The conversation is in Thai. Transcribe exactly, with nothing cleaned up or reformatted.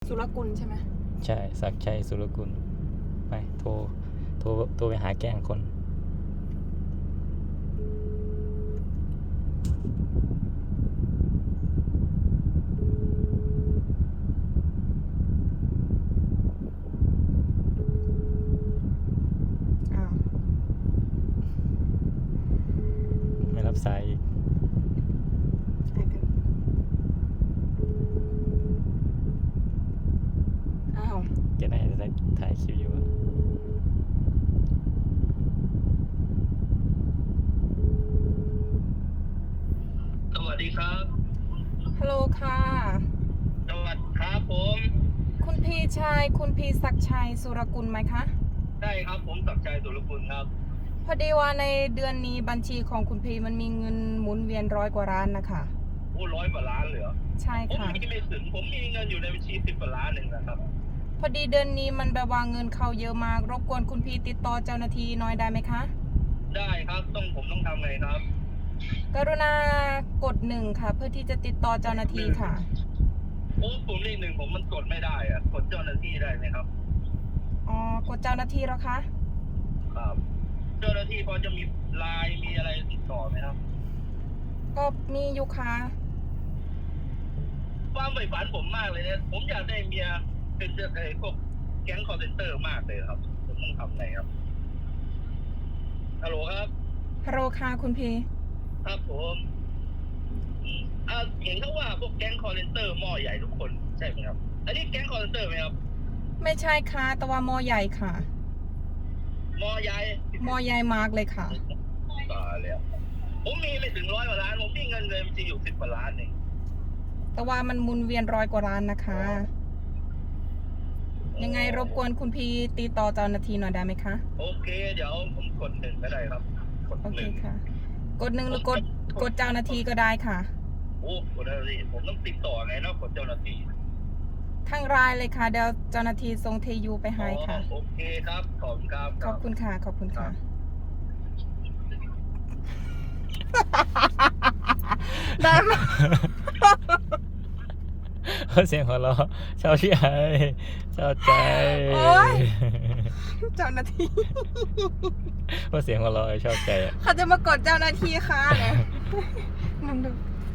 สุรกุลใช่ไหมใช่ศักดิ์ชัยสุรกุลไปโทรโทรโทรไปหาแกล้งคนอ้าวไม่รับสายอีกใช่กันอ้าวแกน่าจะถ่ายคลิปอยู่อะสวัสดีครับฮัลโหลค่ะสวัสดีครับผมคุณพี่ชายคุณพี่ศักดิ์ชัยสุรกุลไหมคะใช่ครับผมศักดิ์ชัยสุรกุลครับพอดีว่าในเดือนนี้บัญชีของคุณพี่มันมีเงินหมุนเวียนร้อยกว่าล้านนะคะโอ้ร้อยกว่าล้านเลยเหรอใช่ผมค่ะมีไม่ถึงผมมีเงินอยู่ในบัญชีสิบกว่าล้านหนึ่งนะครับพอดีเดือนนี้มันแบบว่าเงินเข้าเยอะมาก รบกวนคุณพี่ติดต่อเจ้าหน้าที่หน้อยได้ไหมคะได้ครับต้องผมต้องทำไงครับกรุณากดหนึ่งค่ะ เพื่อที่จะติดต่อเจ้าหน้าที่ค่ะโอ้ผมเลขหนึ่งผมมันกดไม่ได้อะกดเจ้าหน้าที่ได้ไหมครับอ๋อกดเจ้าหน้าที่แล้วคะครับ เจ้าหน้าที่พอจะมีไลน์มีอะไรติดต่อไหมครับก็มีอยู่ค่ะความใฝ่ฝันผมมากเลยเนี่ยผมอยากได้เมียเป็นเจ้าไอ้พวกแก๊งคอร์เซนเตอร์มากเลยครับ ผมต้องทำไงครับฮัลโหลครับฮัลโหลค่ะคุณพี่ครับผมอืมอ่าเห็นเขาว่าพวกแก๊งคอร์เซนเตอร์หม้อใหญ่ทุกคนใช่ไหมครับ อันนี้แก๊งคอร์เซนเตอร์ไหมครับไม่ใช่ค่ะ แต่ว่ามอใหญ่ค่ะหม้อใหญ่มอใหญ่มากเลยค่ะตายแล้วผมมีไม่ถึงร้อยกว่าล้าน ผมมีเงินเลยมันจะอยู่สิบกว่าล้านเองแต่ว่ามันหมุนเวียนร้อยกว่าล้านนะคะ ยังไงรบกวนคุณพี่ติดต่อเจ้าหน้าที่หน่อยได้ไหมคะโอเค เดี๋ยวผมกดหนึ่งก็ได้ครับ กดโอหเคนึ่งค่ะ กดหนึ่งหรือกดกดเจ้าหน้าที่ก็ได้ค่ะโอ้กดได้สิผมต้องติดต่อไงเนาะกดเจ้าหน้าที่ทั้งรายเลยค่ะ เดี๋ยวเจ้าหน้าที่ส่งเทยูไปให้ค่ะอ๋อโอเคครับ ขอบคุณครับขอบคุณค่ะ ขอบคุณค่ะ ได้ไหมเสียงหัวเราะชอบใจชอบใจโอ๊ย เจ้าหน้าที่ว่าเสียงหัวเราะชอบใจอะเขาจะมากดเจ้าหน้าที่ค่ะเนี่ยมึงดู